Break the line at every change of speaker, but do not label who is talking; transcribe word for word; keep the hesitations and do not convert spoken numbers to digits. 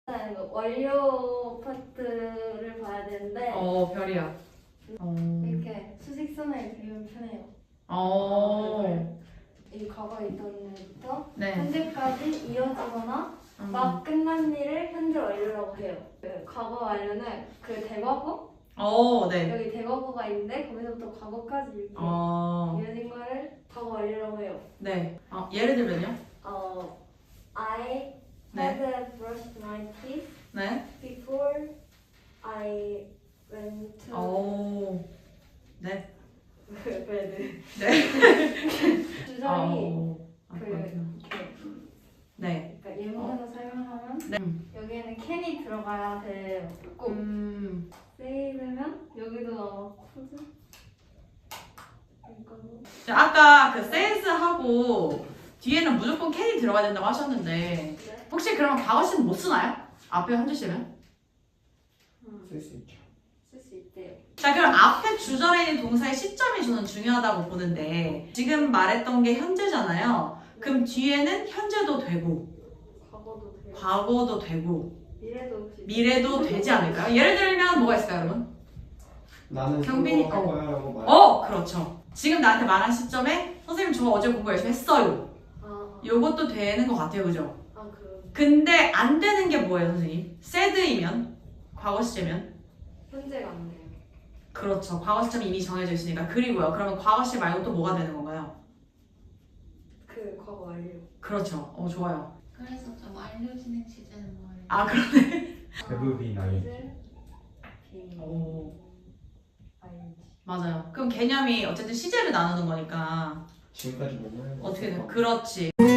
일단 완료 파트를 봐야 되는데
어, 별이야. 어.
이렇게 수직선을 그리면 편해요.
어.
이 과거에 있던 일부터
네.
현재까지 이어지거나
음.
막 끝난 일을 현재 완료라고 해요. 그 과거 완료는 그 대과거?
어, 네.
여기 대과거가 있는데 거기서부터 과거까지 이렇게
어.
이어진 거를 과거 완료라고 해요.
네. 어, 예를 들면요?
어, I
네.
had brushed my teeth
네.
before I went to
오. 네.
bed.
네.
주절이
어. 아,
그
그렇구나.
이렇게
네.
그러니까 예문으로 설명하면
네.
여기에는 can이 들어가야 돼요. 꼭
음.
세이브면 여기도 아마 코드 이거는
자, 아까 그 센스하고 뒤에는 무조건 캔이 들어가야 된다고 하셨는데
네?
혹시 그러면 과거시는 못 쓰나요? 앞에 현재 시면?
쓸 수 있죠.
쓸 수 있대요.
자, 그럼 앞에 주절에 있는 동사의 시점이 저는 중요하다고 보는데 지금 말했던 게 현재잖아요. 그럼 뒤에는 현재도 되고
과거도 돼요.
과거도 되고
미래도 혹시
미래도 되지 않을까요? 예를 들면 뭐가 있을까요, 여러분?
나는
경빈이-
공부할
어.
거야 라고 말.
어, 그렇죠. 지금 나한테 말한 시점에 선생님 저 어제 공부 열심히 했어요.
아,
요것도 되는 것 같아요, 그죠?
아 그럼
근데 안 되는 게 뭐예요, 선생님? said이면 과거 시제면
현재가 안 돼요.
그렇죠. 과거 시점이 이미 정해져 있으니까. 그리고요. 그러면 과거 시 말고 또 뭐가 되는 건가요?
그 과거 완료.
그렇죠. 어, 좋아요.
그래서 좀 알려지는 시제는 뭐예요?
아, 그러네.
대부분 나이.
비
오,
아이지.
맞아요. 그럼 개념이 어쨌든 시제를 나누는 거니까
지금까지 맨날
어떻게 돼요? 그렇지.